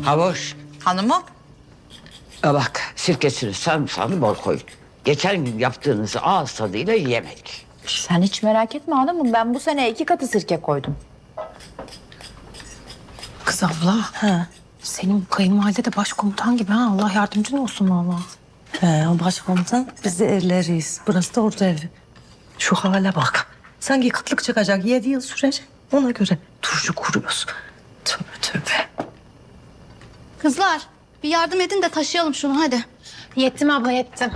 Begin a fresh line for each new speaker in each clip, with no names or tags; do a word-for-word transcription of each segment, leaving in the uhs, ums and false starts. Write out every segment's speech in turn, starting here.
Havuç.
Hanımım.
E bak sirkesini sarımsağını bol koy. Geçen gün yaptığınızı ağız tadıyla yemek.
Sen hiç merak etme hanımım. Ben bu sene iki katı sirke koydum.
Kız abla.
Ha.
Senin bu kayınvalide de başkomutan gibi ha. Allah yardımcın olsun vallahi.
He, o başkomutan, biz de erleriyiz. Burası da orta evi. Şu hale bak. Sanki kıtlık çıkacak, yedi yıl sürecek. Ona göre turşu kuruyoruz. Tövbe tövbe.
Kızlar bir yardım edin de taşıyalım şunu hadi.
Yettim abla yettim.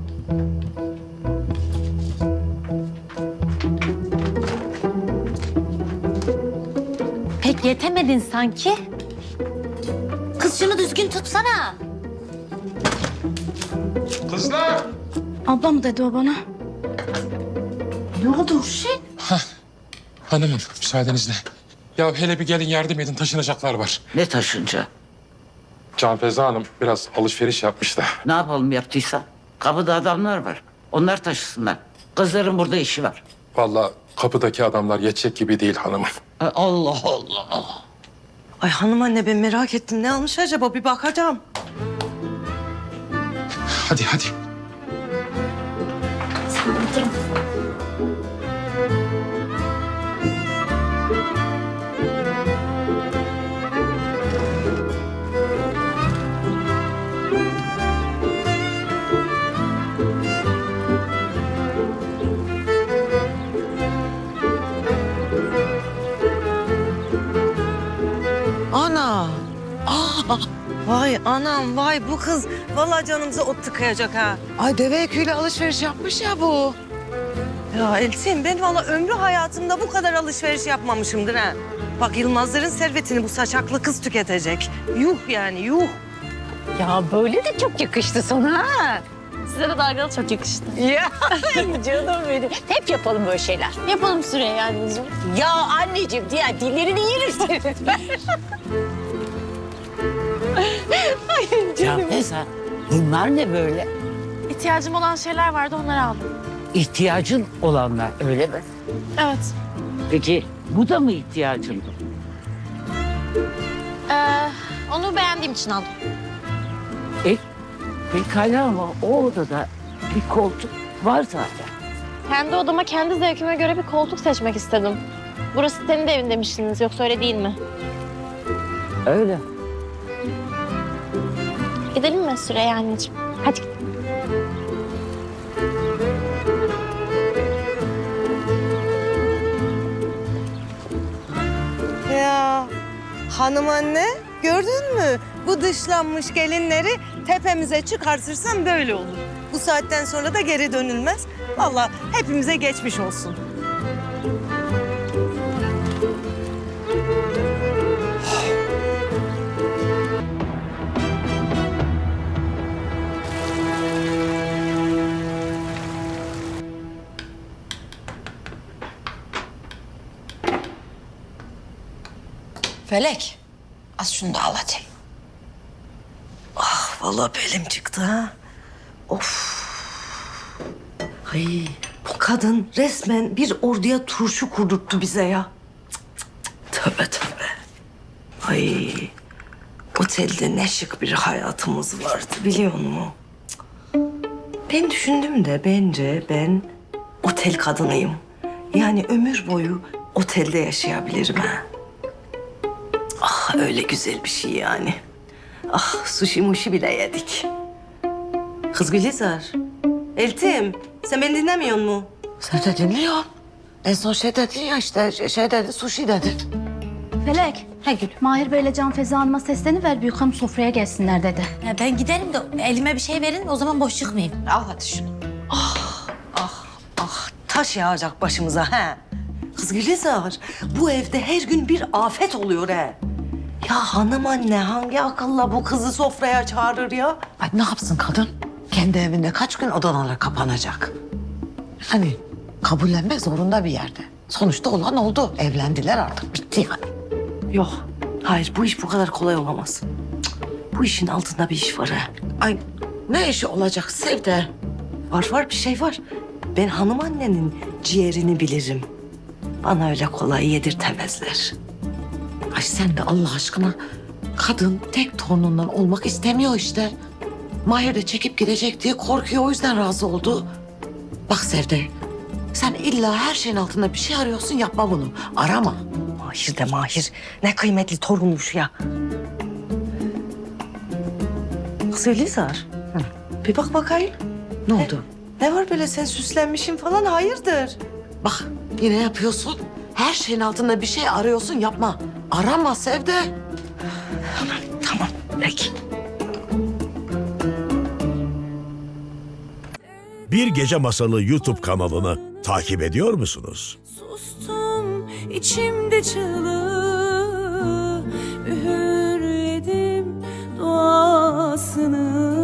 Pek yetemedin sanki.
Kız şunu düzgün tutsana.
Kızlar!
Abla mı dedi o bana?
Ne oldu Urşin?
Hanımım müsaadenizle. Ya hele bir gelin yardım edin, taşınacaklar var.
Ne taşınca?
Can Feza Hanım biraz alışveriş yapmış da.
Ne yapalım yaptıysa? Kapıda adamlar var. Onlar taşısınlar. Kızların burada işi var.
Vallahi kapıdaki adamlar yetecek gibi değil hanımım.
E, Allah Allah.
Ay hanım anne, ben merak ettim. Ne almış acaba? Bir bakacağım.
Hadi hadi.
Ana. Aa, vay anam, vay bu kız. Vallahi canımıza ot tıkayacak ha.
Ay deve yüküyle alışveriş yapmış ya bu.
Ya Elçin, ben vallahi ömrü hayatımda bu kadar alışveriş yapmamışımdır ha. Bak Yılmazların servetini bu saçaklı kız tüketecek. Yuh yani, yuh.
Ya böyle de çok yakıştı sana ha.
Size de dalgalı çok yakıştı.
Ya canım benim. Hep yapalım böyle şeyler.
Yapalım Süreyya anneciğim.
Ya anneciğim diğer dillerini yerim senin. Ay canım.
Ya Feza, bunlar ne böyle?
İhtiyacım olan şeyler vardı onları aldım.
İhtiyacın olanlar öyle mi?
Evet.
Peki bu da mı ihtiyacın?
Ee, onu beğendiğim için aldım.
E, pekala ama o odada bir koltuk var zaten.
Kendi odama kendi zevkime göre bir koltuk seçmek istedim. Burası senin de evin demiştiniz yoksa öyle değil mi?
Öyle.
Gidelim mi Süreyya anneciğim? Hadi gidelim.
Ya hanım anne, gördün mü? Bu dışlanmış gelinleri tepemize çıkartırsam böyle olur. Bu saatten sonra da geri dönülmez. Vallahi hepimize geçmiş olsun.
Felek. Az şunu da al hadi.
Ah vallahi belim çıktı ha. Of. Ay bu kadın resmen bir orduya turşu kurdurttu bize ya. Cık, cık, cık. Tövbe tövbe. Ay otelde ne şık bir hayatımız vardı biliyor musun? Cık. Ben düşündüm de bence ben otel kadınıyım. Yani ömür boyu otelde yaşayabilirim ha. Ah öyle güzel bir şey yani. Ah sushi muşi bile yedik. Kız Gülizar. Eltim sen beni dinlemiyor musun?
Sen de dinliyorsun. En son şey dedin ya işte şey dedi sushi dedi.
Felek. He Gül. Mahir Bey'le Can Feza Hanım'a sesleniver büyük hanım sofraya gelsinler dedi.
Ya ben giderim de elime bir şey verin o zaman boş çıkmayayım.
Al hadi şunu.
Ah taş yağacak başımıza ha. Kız Gülizar bu evde her gün bir afet oluyor ha. Ya hanım anne hangi akılla bu kızı sofraya çağırır ya?
Ay ne yapsın kadın? Kendi evinde kaç gün odalara kapanacak? Hani kabullenmek zorunda bir yerde. Sonuçta olan oldu. Evlendiler artık bitti yani.
Yok hayır bu iş bu kadar kolay olamaz. Cık, bu işin altında bir iş var ha.
Ay ne işi olacak Sevde?
Var var bir şey var. Ben hanım annenin ciğerini bilirim. Bana öyle kolay yedirtemezler.
Ay sen de Allah aşkına Kadın tek torunundan olmak istemiyor işte. Mahir de çekip gidecek diye korkuyor, o yüzden razı oldu. Bak Sevde, sen illa her şeyin altında bir şey arıyorsun, yapma bunu. Arama.
Mahir de Mahir. Ne kıymetli torunmuş ya. Kız Elizar. Bir bak bakayım.
Ne oldu?
Ne var böyle, sen süslenmişsin falan, hayırdır?
Bak yine yapıyorsun. Her şeyin altında bir şey arıyorsun, yapma. Arama Sevde.
Tamam peki.
Bir Gece Masalı YouTube kanalını takip ediyor musunuz?
Sustum içimde çığlığı, üğürledim duasını.